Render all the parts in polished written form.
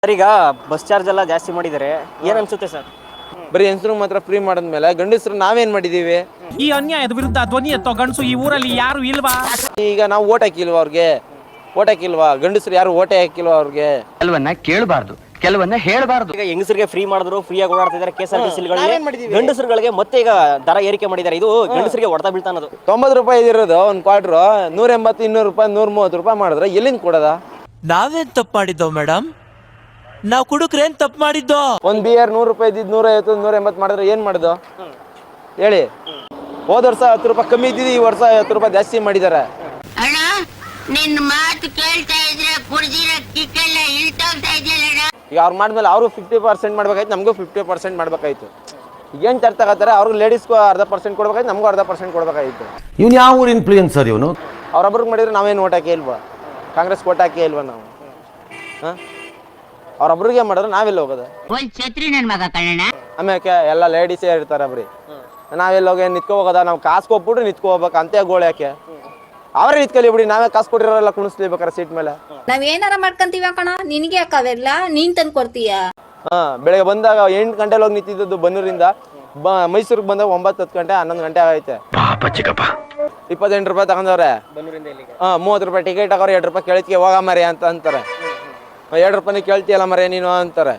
Sir ಈಗ bus charge ಎಲ್ಲ ಜಾಸ್ತಿ ಮಾಡಿದ್ದಾರೆ, ಏನ್ ಅನ್ಸುತ್ತೆ ಸರ್? ಬರೀ ಹೆಂಗಸರು ಮಾತ್ರ ಫ್ರೀ ಮಾಡಿದ್ಮೇಲೆ ಗಂಡಸರು ನಾವೇನ್ ಮಾಡಿದೀವಿ? ಈ ಅನ್ಯಾಯದ ವಿರುದ್ಧ ಧ್ವನಿ ಎತ್ತೋ ಗಂಡಸು ಈ ಊರಲ್ಲಿ ಯಾರು ಇಲ್ವಾ? ಈಗ ನಾವು ಓಟ್ ಹಾಕಿಲ್ವಾ ಅವ್ರಿಗೆ? ಓಟ್ ಹಾಕಿಲ್ವಾ? ಗಂಡಸರು ಯಾರು ಓಟೇ ಹಾಕಿಲ್ವಾ ಅವ್ರಿಗೆ? ಕೆಲವನ್ನ ಕೇಳಬಾರ್ದು, ಕೆಲವನ್ನ ಹೇಳಬಾರ್ದು. ಈಗ ಹೆಂಗಸರಿಗೆ ಫ್ರೀ ಮಾಡಿದ್ರು, ಫ್ರೀಯಾಗಿ ಓಡಾಡ್ತಿದ್ದಾರೆ KSRTC. ಗಂಡಸರುಗಳಿಗೆ ಮತ್ತೆ ಈಗ ದರ ಏರಿಕೆ ಮಾಡಿದ್ದಾರೆ. ಇದು ಗಂಡಸರಿಗೆ ಹೊಡೆತ ಬೀಳ್ತಾ ಅನ್ನೋದು. 90 ರೂಪಾಯಿ ಇದಿರೋದು ಒಂದು ಕ್ವಾರ್ಟರ್ 180, 200 ರೂಪಾಯಿ, 130 ರೂಪಾಯಿ ಮಾಡಿದ್ರೆ ಎಲ್ಲಿಂದ ಕೊಡೋದ? ನಾವೇನ್ ತಪ್ಪು ಮಾಡಿದ್ದೋ ಮೇಡಮ್? ನಾವು ಕುಡುಕ್ರೇನ್ ತಪ್ಪು ಮಾಡಿದ್ದೋ? ಒಂದು ಬಿಯರ್ 100 ರೂಪಾಯಿ ಇದ್ದಿದ್ದು 150, 180 ಮಾಡಿದ್ರೆ ಏನ್ ಮಾಡುದು ಹೇಳಿ? ಹೋದ ವರ್ಷ 10 ರೂಪಾಯಿ ಕಮ್ಮಿ ಇದ್ದಿದ್ದು, ಈ ವರ್ಷ 10 ರೂಪಾಯಿ ಜಾಸ್ತಿ ಮಾಡಿದ್ದಾರೆ. ಅಣ್ಣ ನಿನ್ನ ಮಾತು ಕೇಳ್ತಾ ಇದ್ರೆ ಕುಡ್ದಿರೋ ಕಿಕ್ಕೆಲ್ಲ ಇಳ್ತೋಗ್ತಾ ಇದೆಯಲ್ಲ. ಈಗ ಅವ್ರು ಮಾಡಿದ್ಮೇಲೆ ಅವರು 50% ಮಾಡ್ಬೇಕಾಯ್ತು, ನಮಗೂ 50% ಮಾಡ್ಬೇಕಾಯ್ತು. ಈಗ ಏನು ತರ್ತಾ ಇರ್ತಾರೆ, ಅವ್ರಿಗೆ ಲೇಡೀಸ್ಗೂ 0.5% ಕೊಡ್ಬೇಕಾಯ್ತು, ನಮಗೂ 0.5% ಕೊಡ್ಬೇಕಾಯ್ತು. ಇವನು ಯಾವ ಊರು ಇನ್ಫ್ಲೂಯೆನ್ಸರ್ ಇವನು? ಅವ್ರೊಬ್ರಿಗೆ ಮಾಡಿದ್ರೆ ನಾವೇನು ಓಟ್ ಹಾಕೇ ಇಲ್ವಾ? ಕಾಂಗ್ರೆಸ್ ಓಟ್ ಹಾಕೇ ಇಲ್ವಾ ನಾವು? ಹಾಂ, ಅವ್ರೊಬ್ರಿಗೆ ಮಾಡಿದ್ರೆ ನಾವೆಲ್ಲ ಹೋಗೋದು? ಒಂದ್ ಛತ್ರಿ ನನ್ ಮಗ ಕಣ್ಣ. ಆಮೇಲೆ ಎಲ್ಲ ಲೇಡೀಸೇ ಇರ್ತಾರೆ ಬರೀ. ನಾವೆಲ್ಲ ಹೋಗಿ ನಿತ್ಕೊ ಹೋಗೋದ? ನಾವು ಕಾಸು ಕೊಟ್ಬಿಟ್ರೆ ನಿತ್ಕೊ ಹೋಗ್ಬೇಕು ಅಂತೆ ಗೋಳು ಯಾಕೆ? ಅವರೇ ನಿತ್ಕೊಳ್ಳಿ ಬಿಡಿ, ನಾವೇ ಕಾಸು ಕೊಟ್ಟಿರೋಲ್ಲ ಕುಣಿಸ್ಲೇಬೇಕಾರೆ ಸೀಟ್ ಮೇಲೆ. ನಾವ್ ಏನಾರ ಮಾಡ್ಕೊಂತೀವಿ ಕಣ, ನಿನಗೆ ಯಾಕವೆಲ್ಲ ನೀನ್ ತಂದು ಕೊಡ್ತೀಯ? ಬೆಳಗ್ಗೆ ಬಂದಾಗ 8 ಗಂಟೆಲಿ ಹೋಗಿ ನಿಂತಿದ್ದು ಬನ್ನೂರಿಂದ ಮೈಸೂರಿಗೆ ಬಂದಾಗ 9-10 ಗಂಟೆ 11 ಗಂಟೆ ಆಗೈತೆ. 28 ರೂಪಾಯಿ ತಗೊಂಡವ್ರೆ. 30 ರೂಪಾಯಿ ಟಿಕೆಟ್ ಹಾಕೋರು, 2 ರೂಪಾಯಿ ಕೇಳ್ತಿಗೆ ಹೋಗ ಮರಿ ಅಂತ ಅಂತಾರೆ. 2 ರೂಪಾಯಿ ಕೇಳ್ತಿಯಲ್ಲ ಮರಿ ನೀನು ಅಂತಾರೆ.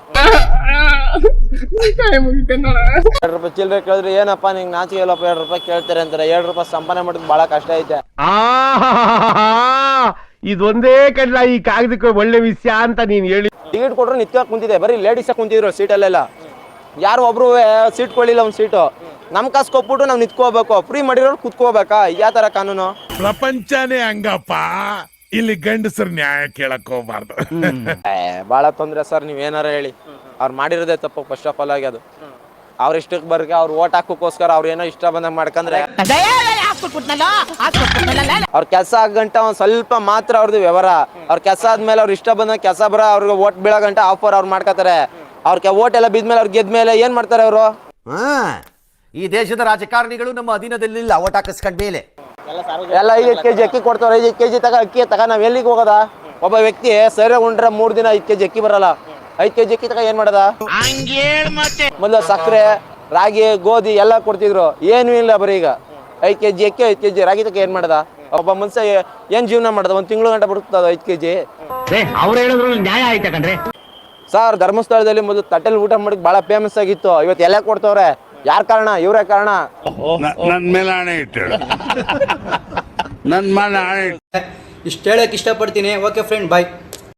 2 ರೂಪಾಯಿ ಚಿಲ್ಲರೆ ಕೇಳಿದ್ರೆ ಏನಪ್ಪ ನಿಂಗೆ ನಾಚಿಕೆ ಇಲ್ಲಪ್ಪ 2 ರೂಪಾಯಿ ಕೇಳ್ತಾರೆ ಅಂತಾರೆ. 2 ರೂಪಾಯಿ ಸಂಪಾದನೆ ಮಾಡೋದು ಬಹಳ ಕಷ್ಟ ಐತೆ. ಇದೊಂದೇ ಕಡ್ಲ ಈ ಕಾಗದಕ್ಕೆ ಒಳ್ಳೆ ವಿಷಯ ಅಂತ ನೀನ್ ಹೇಳಿ. ಟಿಕೆಟ್ ಕೊಟ್ರು ನಿತ್ಕ ಕುಂತಿದೆ, ಬರೀ ಲೇಡೀಸ್ ಕುಂತಿದ್ರು ಸೀಟಲ್ಲೆಲ್ಲ. ಯಾರು ಒಬ್ರು ಸೀಟ್ ಕೊಡ್ಲಿಲ್ಲ ಒಂದು ಸೀಟು. ನಮ್ ಕಾಸು ಕೊಟ್ಬಿಟ್ಟು ನಾವು ನಿತ್ಕೋಬೇಕು, ಫ್ರೀ ಮಾಡಿರೋರು ಕುತ್ಕೋಬೇಕಾ? ಯಾವ ತರ ಕಾನೂನು? ಪ್ರಪಂಚನೇ ಹಂಗಪ್ಪ, ಇಲ್ಲಿ ಗಂಡಸರು ನ್ಯಾಯ ಕೇಳಕ್ ಹೋಗ್ಬಾರ್ದು. ಬಹಳ ತೊಂದ್ರೆ ಸರ್, ನೀವೇನಾರ ಹೇಳಿ. ಅವ್ರು ಮಾಡಿರೋದೇ ತಪ್ಪು ಫಸ್ಟ್ ಆಫ್ ಆಲ್ ಆಗಿ. ಅದು ಅವ್ರ ಇಷ್ಟಕ್ಕೆ ಬರ್ಗೆ ಅವ್ರು ಓಟ್ ಹಾಕೋಕ್ಕೋಸ್ಕರ ಅವ್ರು ಏನೋ ಇಷ್ಟ ಬಂದಾಗ ಮಾಡ್ಕಂದ್ರೆ ಅವ್ರ ಕೆಲಸ ಆಗಂಟ ಒಂದ್ ಸ್ವಲ್ಪ ಮಾತ್ರ ಅವ್ರದ್ದು ವ್ಯವಹಾರ. ಅವ್ರ ಕೆಲಸ ಆದ್ಮೇಲೆ ಅವ್ರ ಇಷ್ಟ ಬಂದಾಗ ಕೆಲಸ ಬರ ಅವ್ರಿಗೆ ಓಟ್ ಬೀಳೋ ಗಂಟ ಆಫರ್ ಅವ್ರು ಮಾಡ್ಕೋತಾರೆ. ಅವ್ರ ಓಟ್ ಎಲ್ಲ ಬಿದ್ಮೇಲೆ ಅವ್ರು ಗೆದ್ಮೇಲೆ ಏನ್ ಮಾಡ್ತಾರೆ ಅವರು? ಈ ದೇಶದ ರಾಜಕಾರಣಿಗಳು ನಮ್ಮ ಅಧೀನದಲ್ಲಿಲ್ಲ. ಓಟ್ ಹಾಕಿಸ್ಕೊಂಡ ಮೇಲೆ ಎಲ್ಲ 5 ಕೆಜಿ ಅಕ್ಕಿ ಕೊಡ್ತಾವ್ರೆ. 5 ಕೆಜಿ ಅಕ್ಕಿ ನಾವ್ ಎಲ್ಲಿಗೆ ಹೋಗೋದ? ಒಬ್ಬ ವ್ಯಕ್ತಿ ಸರಿ ಉಂಡ್ರೆ 3 ದಿನ 5 ಕೆಜಿ ಅಕ್ಕಿ ಬರಲ್ಲ. 5 ಕೆಜಿ ಅಕ್ಕಿ ಏನ್ ಮಾಡದ? ಮೊದಲು ಸಕ್ಕರೆ, ರಾಗಿ, ಗೋಧಿ ಎಲ್ಲ ಕೊಡ್ತಿದ್ರು, ಏನು ಇಲ್ಲ. ಬರೀ ಈಗ 5 ಕೆಜಿ ಅಕ್ಕಿ 5 ಕೆಜಿ ರಾಗಿ ಏನ್ ಮಾಡದ? ಒಬ್ಬ ಮನುಷ್ಯ ಏನ್ ಜೀವನ ಮಾಡದ? 1 ತಿಂಗಳು ಗಂಟೆ ಬರುತ್ತದ 5 ಕೆಜಿ. ಅವ್ರು ಹೇಳಿದ್ರು ನ್ಯಾಯ ಆಯ್ತಾ ಕಣ್ರಿ? ಸರ್, ಧರ್ಮಸ್ಥಳದಲ್ಲಿ ಮೊದಲು ತಟ್ಟೆಲ್ ಊಟ ಮಾಡಿ ಬಹಳ ಫೇಮಸ್ ಆಗಿತ್ತು. ಇವತ್ತು ಎಲೆ ಕೊಡ್ತವ್ರೆ. ಯಾರ ಕಾರಣ? ಇವರೇ ಕಾರಣ. ನನ್ ಮೇಲೆ ಆಣೆ ಇಟ್ಟೇಳು, ನನ್ ಮೇಲೆ ಆಣೆ. ಇಷ್ಟು ಹೇಳಕ್ ಇಷ್ಟಪಡ್ತೀನಿ. ಓಕೆ ಫ್ರೆಂಡ್, ಬಾಯ್.